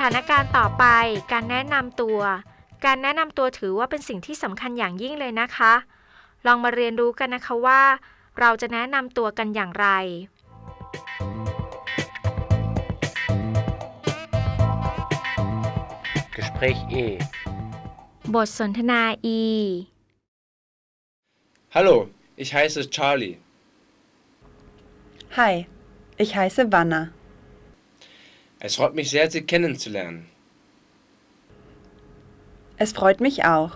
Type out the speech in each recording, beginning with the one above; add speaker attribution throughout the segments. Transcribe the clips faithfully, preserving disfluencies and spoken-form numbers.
Speaker 1: ถานการณ์ต่อไปการแนะนำตัวการแนะนำตัวถือว่าเป็นสิ่งที่สำคัญอย่างยิ่งเลยนะคะลองมาเรียนรู้กันนะคะว่าเราจะแนะนำตัวกันอย่างไร
Speaker 2: Gespräch E
Speaker 1: บทสนทนา E
Speaker 3: Hallo, ich heiße Charlie.
Speaker 4: Hi, ich heiße Wanna.
Speaker 3: Es freut mich sehr, Sie kennenzulernen.
Speaker 4: Es freut mich auch.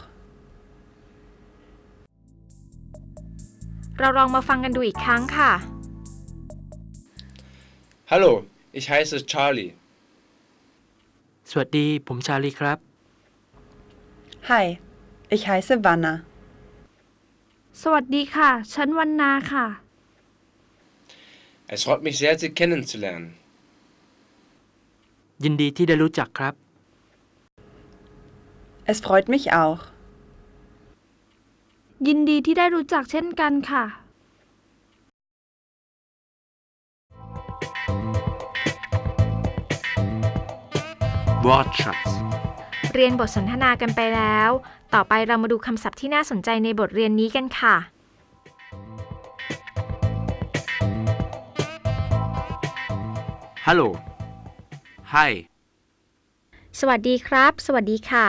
Speaker 1: เราลองมาฟังกันดูอีกครั้งค่ะ
Speaker 3: Hallo, ich heiße Charlie.
Speaker 2: สวัสดีผมชาลีครับ
Speaker 4: Hi, ich heiße Wanna.
Speaker 5: สวัสดีค่ะฉันวันนาค่ะ
Speaker 3: Es freut mich sehr, Sie kennenzulernen.
Speaker 2: ยินดีที่ได้รู้จักครับ
Speaker 4: Es freut mich auch.
Speaker 5: ยินดีที่ได้รู้จักเช่นกันค่ะ
Speaker 2: Wortschatz
Speaker 1: เรียนบทสนทนากันไปแล้วต่อไปเรามาดูคำศัพท์ที่น่าสนใจในบทเรียนนี้กันค่ะ
Speaker 2: Hallo Hi
Speaker 1: สวัสดีครับสวัสดีค่ะ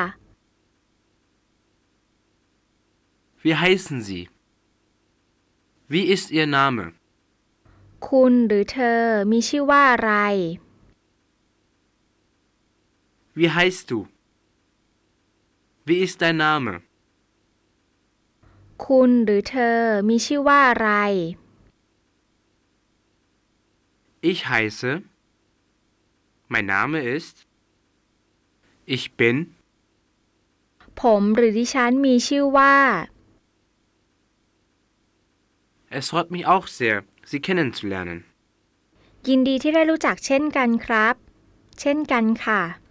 Speaker 2: Wie heißen Sie Wie ist Ihr Name
Speaker 1: คุณหรือเธอมีชื่อว่าอะไร
Speaker 2: Wie heißt du Wie ist dein Name
Speaker 1: คุณหรือเธอมีชื่อว่าอะไร
Speaker 2: Ich heiße Mein Name ist Ich bin
Speaker 1: ผมหรือดิฉันมีชื่อว่า
Speaker 2: Es freut mich auch sehr Sie kennenzulernen
Speaker 1: ยินดีที่ได้รู้จักเช่นกันครับ เช่นกันค่ะ